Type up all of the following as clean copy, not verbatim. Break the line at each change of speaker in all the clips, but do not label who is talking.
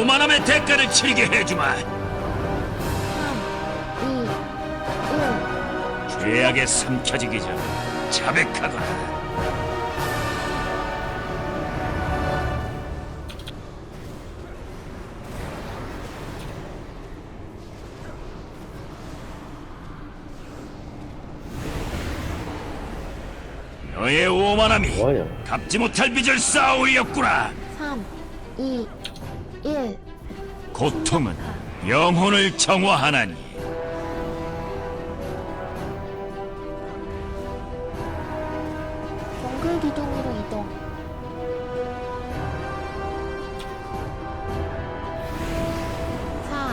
오만함의 대가를 치르게 해주마.
3, 2, 1.
죄악에 삼켜지기 전 자백하거라. 너의 오만함이
뭐하냐?
갚지 못할 빚을 쌓아올렸구나.
3, 2, 1.
고통은 영혼을 정화하나니.
정글 기둥으로 이동. 4,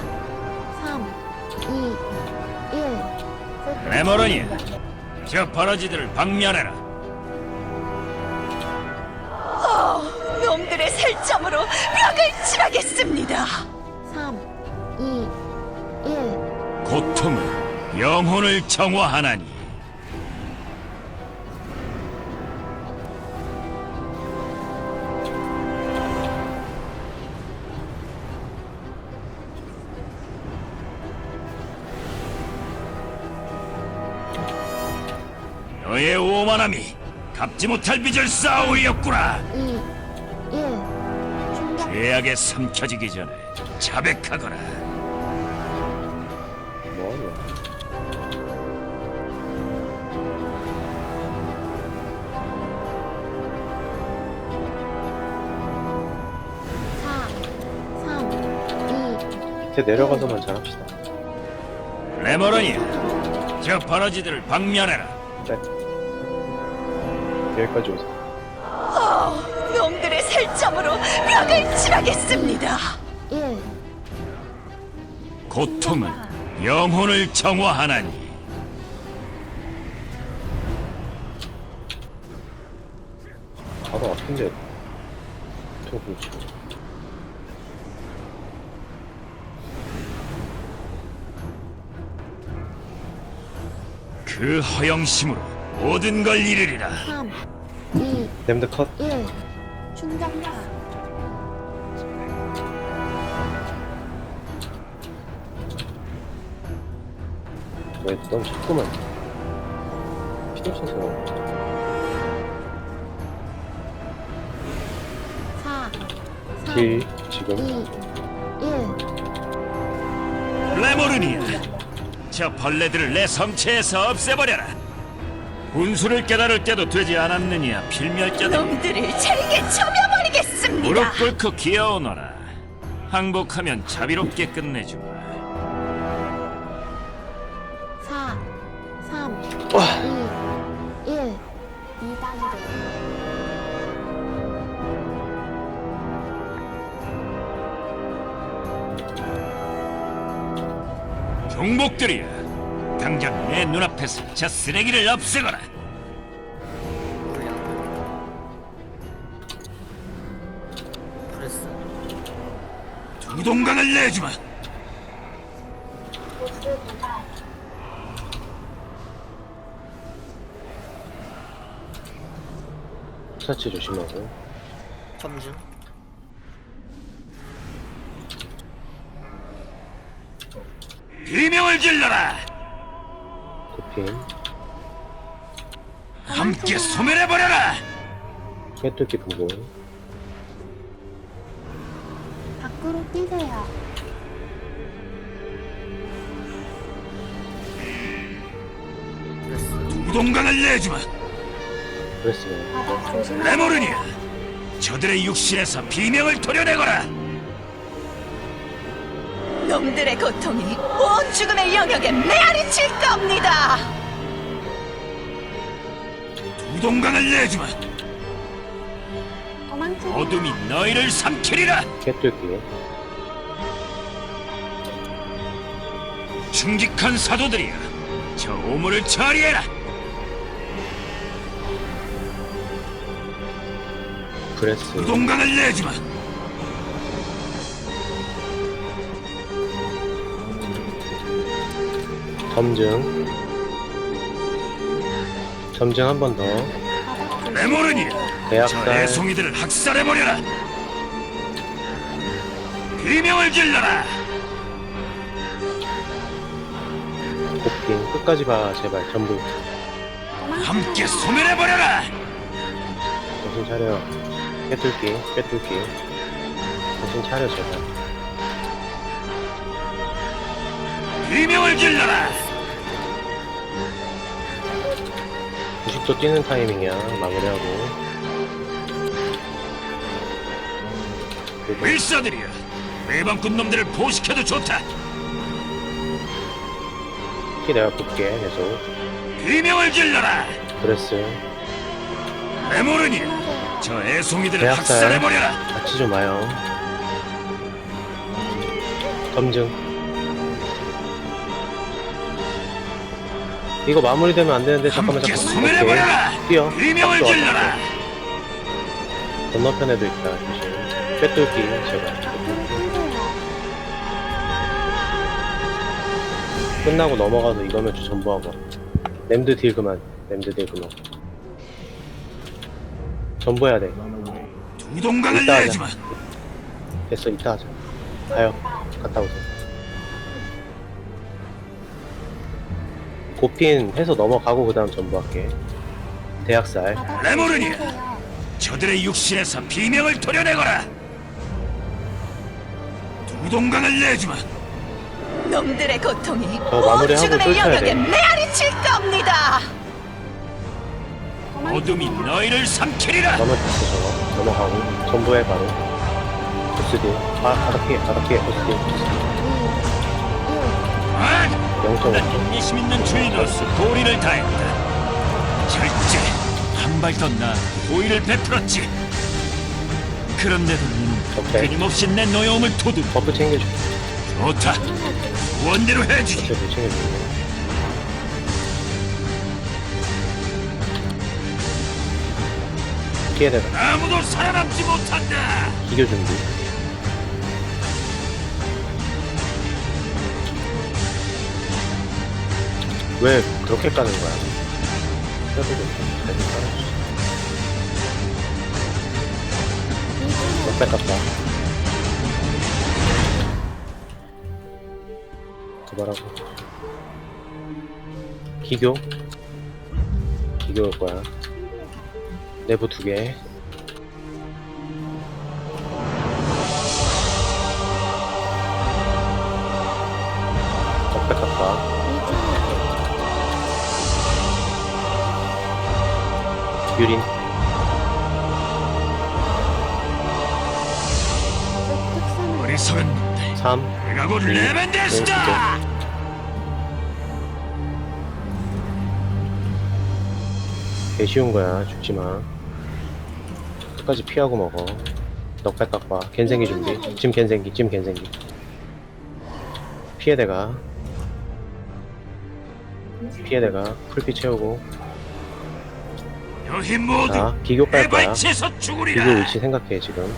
3, 2, 1.
레모런이야, 저 버러지들을 박멸해라.
놈들의 살점으로 벽을 칠하겠습니다.
3, 2, 1.
고통은 영혼을 정화하나니. 너의 오만함이 갚지 못할 빚을 쌓아올렸구나.
2, 1. 충격.
죄악에 삼켜지기 전에 자백하거라.
뭐하냐?
4, 3, 2.
밑에 내려가서만 잘합시다.
레모런이야, 저 버러지들을 박멸해라.
네. 여기까지 오세요.
놈들의 살점으로 벽을 칠하겠습니다.
1.
고통은 영혼을 정화하나니.
바로 아픈데 더 그렇지.
그 허영심으로 모든 걸 이르리라.
3, 2,
램드 컷.
1. 충격파.
넌 자꾸만 피도 쳐서
4, 3,
딜 지금
2, 1.
레모르니아, 저 벌레들을 내 성체에서 없애버려라. 분수를 깨달을 때도 되지 않았느냐, 필멸자들.
놈들을 잘게 쳐며버리겠습니다.
무릎 꿇고 기어오너라. 항복하면 자비롭게 끝내주마.
4, 3,
와.
2, 1. 2단계.
종복들이야, 당장 내 눈앞에서 저 쓰레기를 없애거라. 두 동강을 내주마.
사치 조심하고.
점중.
비명을 질러라.
도핑.
함께 소멸해버려라.
깨뚫기 보고.
밖으로 뛰세요.
두 동강을 내주마.
그랬어요.
바닥 조심하세요.
레모르니아, 저들의 육신에서 비명을 도려내거라.
놈들의 고통이 온 죽음의 영역에 메아리칠 겁니다.
두 동강을 내주마.
도망치세요.
어둠이 너희를 삼키리라.
깨뚫기.
충직한 사도들이여, 저 오물을 처리해라.
브레스.
두 동강을 내주마.
점증. 점증 한 번 더.
바닥 조심.
레모르니아, 저
대학살.
애송이들을 학살해버려라. 비명을 질러라.
복빙 끝까지 봐 제발 전부.
함께 소멸해버려라.
정신 차려. 꿰뚫기 꿰뚫기. 정신 차려 제발.
비명을 질러라.
90도 뛰는 타이밍이야. 마무리하고. 그리고
일사들이여, 매방꾼 놈들을 포식해도 좋다.
키 내가 볼게 계속.
비명을 질러라.
브레스.
레모르니, 저 애송이들을
대학살.
학살해버려라.
같이 좀 와요. 검증. 이거 마무리되면 안 되는데 잠깐만
함께
잠깐만.
소멸해버려라.
오케이. 뛰어.
비명을
앞서,
질러라.
앞서. 건너편에도 있다. 조심. 꿰뚫기 제발.
밖으로 뛰세요.
끝나고 넘어가서 이거면 전부하고. 램드 딜 그만. 램드 딜 그만. 전부해야 돼.
두 동강을
이따 하자.
내주마.
됐어 이따 하자. 가요. 갔다 오세요. 고핀 해서 넘어가고 그 다음 전부할게. 대학살.
바닥으로
레모르니.
뛰세요.
저들의 육신에서 비명을 도려내거라. 두 동강을 내주마.
놈들의 고통이
저 마무리하고
온 죽음의
쫓아야
영역에
돼.
메아리칠 겁니다.
어둠이 너희를 삼키리라.
넘어졌어 저거. 넘어가고 전부해 바로. 보스딜. 바닥 피해 바닥 피해 보스딜.
2, 1.
아!
0.5.
인내심 있는 주인으로서 도리를 다했다. 절제 한 발 더 나아 도의를 베풀었지. 그런데도 너는
오케이.
끊임없이 내 노여움을 도둑.
버프 챙겨줘.
좋다. 원대로 해주지.
어차피 챙겨줘. 피해대가.
아무도 살아남지 못한다.
기교 준비. 왜 그렇게 까는 거야? 그래도 잘 깔아주지. 넉백 같다. 도발하고. 기교? 기교일 거야. 내부 2개. 넉백 같다. 유린.
어리석은 놈들.
3.
내가 곧 레벤데스다.
개 쉬운 거야. 죽지 마. 끝까지 피하고 먹어. 넉백 깎아. 갠생기 준비. 짐 갠생기. 짐 갠생기. 피해대가. 피해대가. 풀피 채우고.
너희 모두
자, 기교 깔 거야.
해발치에서
기교
죽으리라.
위치 생각해 지금.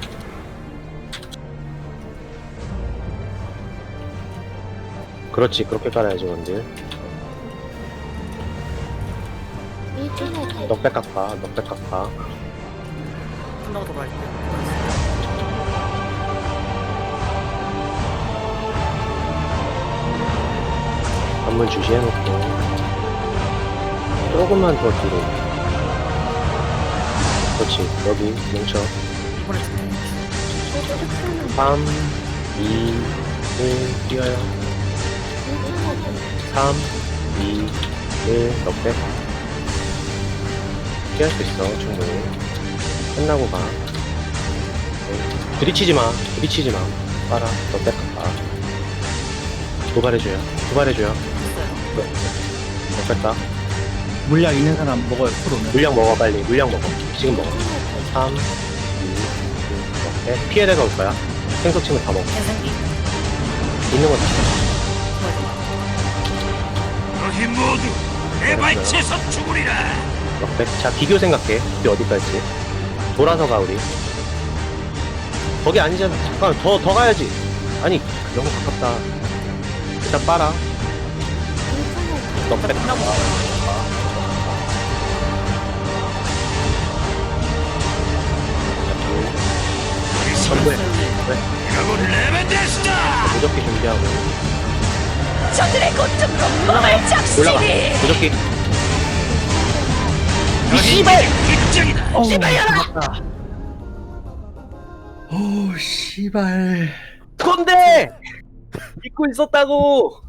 그렇지. 그렇게 깔아야지 원딜. 넉백 깎아. 넉백 깎아.
끝나고 돌아갈게.
한번 주시해놓고. 조금만 더 뒤로. 그렇지. 여기 뭉쳐.
이번에
3, 2, 1 뛰어요. 3, 2, 1 넉백. 피할 수 있어 충분히. 끝나고 가. 네. 부딪히지 마. 부딪히지 마. 빨아. 넉백 가. 도발해줘요. 도발해줘요. 넉백 가.
물약 있는 사람 먹어요. 프로는.
물량 먹어 빨리. 물량 먹어. 지금 먹어. 3, 2, 1 넉백. 피해대가 올 거야. 생석침을 다 먹어. 있는 거 다.
너희 모두 해발치에서 죽으리라.
넉백. 자, 기교 생각해. 기교 어디 갈지. 돌아서 가, 우리. 거기 아니잖아. 잠깐, 더 가야지. 아니, 너무 가깝다. 일단 빨아. 넉백. 전부해. 왜?
가고 레벤데스다.
무적기 준비하고
저들의 고통으로 몸을
올라가
적시니.
무적기
씨발 입장이다.
오 씨발.
건데 믿고 있었다고